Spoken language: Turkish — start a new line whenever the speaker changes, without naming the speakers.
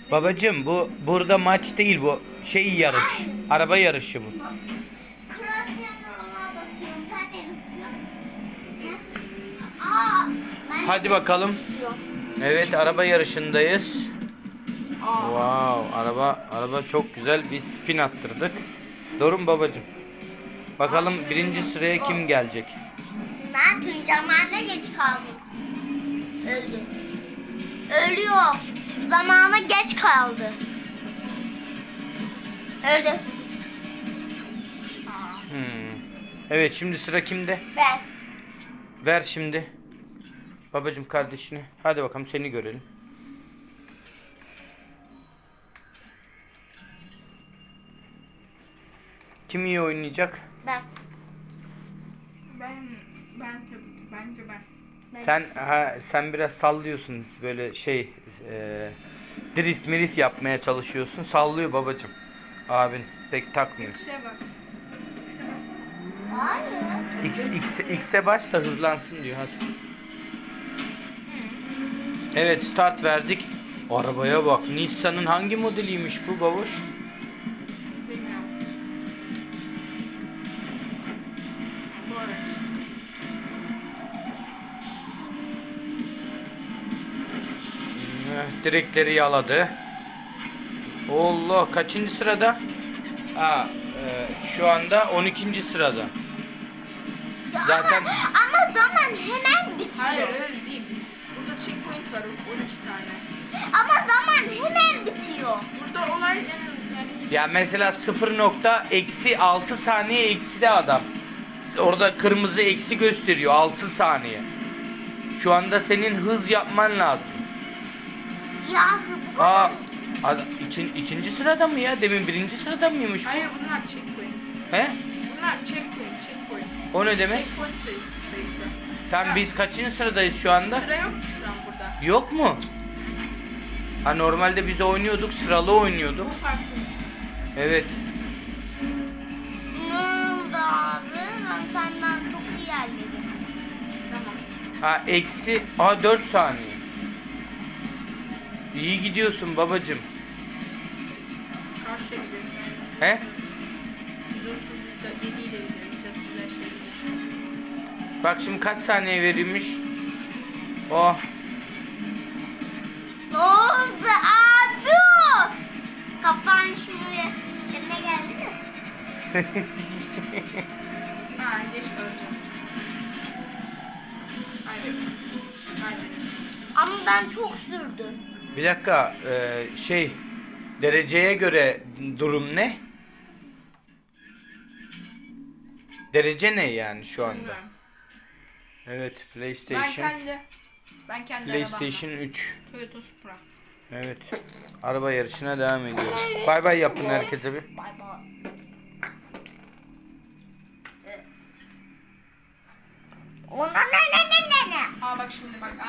Babacım bu burada maç değil, bu şey yarış. Araba yarışı bu.
Cristiano Ronaldo diyorum. Sen ne diyorsun? Aa,
Hadi bakalım. Evet, araba yarışındayız. Wow, araba çok güzel, bir spin attırdık. Doğru mu babacım? Bakalım birinci sıraya kim gelecek?
ne yaptın? Zamanına geç kaldın. Öldü. Ölüyor. Zamana geç kaldı. Öldü.
Evet, şimdi sıra kimde?
Ben.
Ver şimdi. Babacım kardeşini. Hadi bakalım, seni görelim. Kim iyi oynayacak?
Ben.
Ben tabii ki. Bence ben.
Sen biraz sallıyorsun, böyle drift mirif yapmaya çalışıyorsun. Sallıyor babacım. Abin pek takmıyor.
Şeye bak.
Hayır.
X'e bas da hızlansın diyor, hadi. Evet, start verdik. Arabaya bak. Nissan'ın hangi modeliymiş bu babuş?
Bilmiyorum. Bu arada.
Direkleri yaladı. Allah, kaçıncı sırada? Şu anda 12. sırada. Zaten
Ama zaman hemen bitiyor.
Hayır öyle değil. Burada checkpoint var 12 tane.
Ama zaman hemen bitiyor.
Burada olay en az yani
ya mesela 0.-6 saniye ekside adam. Orada kırmızı eksi gösteriyor, 6 saniye. Şu anda senin hız yapman lazım.
Ya bu
İkinci sırada mı ya? Demin birinci sırada mıymış bu?
hayır bunlar checkpoint.
He?
Bunlar checkpoint.
O ne demek?
Checkpoint sayısı.
Tam biz kaçıncı sıradayız şu anda?
Sıra yok ki şu an burada.
Yok mu? Ha, normalde biz oynuyorduk, sıralı oynuyorduk.
Bu farklı.
Evet.
ne oldu abi? Ben senden çok iyi ilerledim.
Tamam.
Eksi 4 saniye. İyi gidiyorsun babacım.
Karşıya gidiyoruz.
He?
137 ile gidiyor. 135 ile gidiyor.
Bak şimdi kaç saniye verilmiş? Oh.
Ne oldu abi? Kafan şimdi yerine geldi mi?
Ha geç kalacağım. Hayır. Hayır.
Ama ben çok sürdüm.
Bir dakika, dereceye göre durum ne? Derece ne yani şu anda?
Bilmiyorum.
Evet,
Ben
PlayStation
kendi
PlayStation 3.
arabamla. Toyota Supra.
Evet. Araba yarışına devam ediyoruz. Bay bay yapın herkese bir.
Bay bay. Ona ne?
Aa bak şimdi bak.